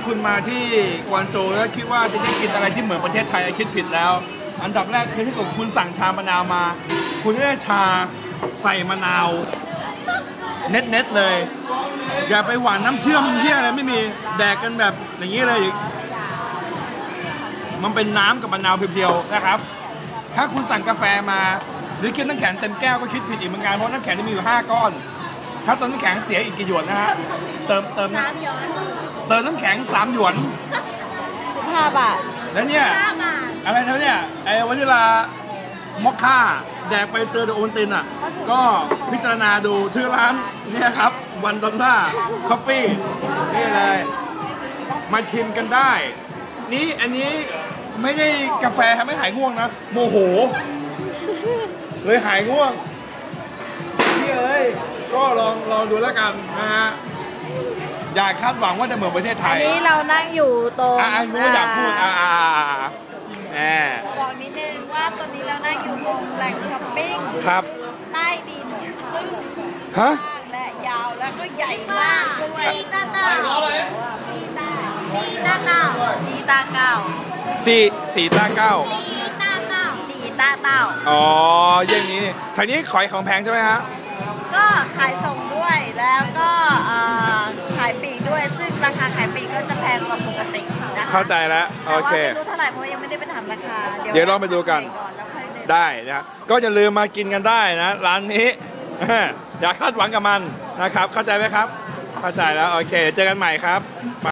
คุณมาที่กวางโจวแล้วคิดว่าจะได้กินอะไรที่เหมือนประเทศไทยคิดผิดแล้วอันดับแรกคือถ้าเกิดคุณสั่งชามะนาวมาคุณได้ชาใส่มะนาวเน็ตเลยอย่าไปหวานน้ำเชื่อมเที่ยอะไรไม่มีแดกกันแบบอย่างนี้เลยมันเป็นน้ำกับมะนาวเพียวๆนะครับถ้าคุณสั่งกาแฟมาหรือกินน้ำแข็งเต็มแก้วก็คิดผิดอีกเหมือนกันเพราะน้ำแข็งจะมีอยู่5 ก้อนถ้าเติมน้ำแข็งเสียอีกกี่หยวนนะฮะเติมน้ำแข็ง3 หยวน 15 บาทแล้วเนี่ยอะไรนะเนี่ยไอ้วานิลามอคค่าแดกไปเจอโอวัลตินอ่ะก็พิจารณาดูชื่อร้านเนี่ยครับวันดอลล่าคอฟฟี่นี่เลยมาชิมกันได้นี่อันนี้ไม่ได้กาแฟทำให้หายง่วงนะโมโหเลยหายง่วงพี่เอ้ยก็ลองดูแล้วกันนะฮะอย่าคาดหวังว่าจะเหมือนประเทศไทยอันนี้เรานั่งอยู่ตรงอันนี้อยากพูดบอกนิดนึงว่าตอนนี้เรานั่งอยู่ตรงแหล่งช้อปปิ้งครับใต้ดินซึ่งฮะและยาวแล้วก็ใหญ่มากด้วยตีตาเก้า 4 ตา 9อ๋ออย่างนี้ทางนี้ขายของแพงใช่ไหมฮะก็ขายส่งด้วยแล้วก็ขายปีกด้วยซึ่งราคาขายปีกก็จะแพงกว่าปกตินะคะเข้าใจแล้วโอเคไม่รู้เท่าไหร่เพราะยังไม่ได้ไปถามราคาเดี๋ยวลองไปดูกันได้นะก็อย่าลืมมากินกันได้นะร้านนี้อย่าคาดหวังกับมันนะครับเข้าใจไหมครับเข้าใจแล้วโอเคเจอกันใหม่ครับ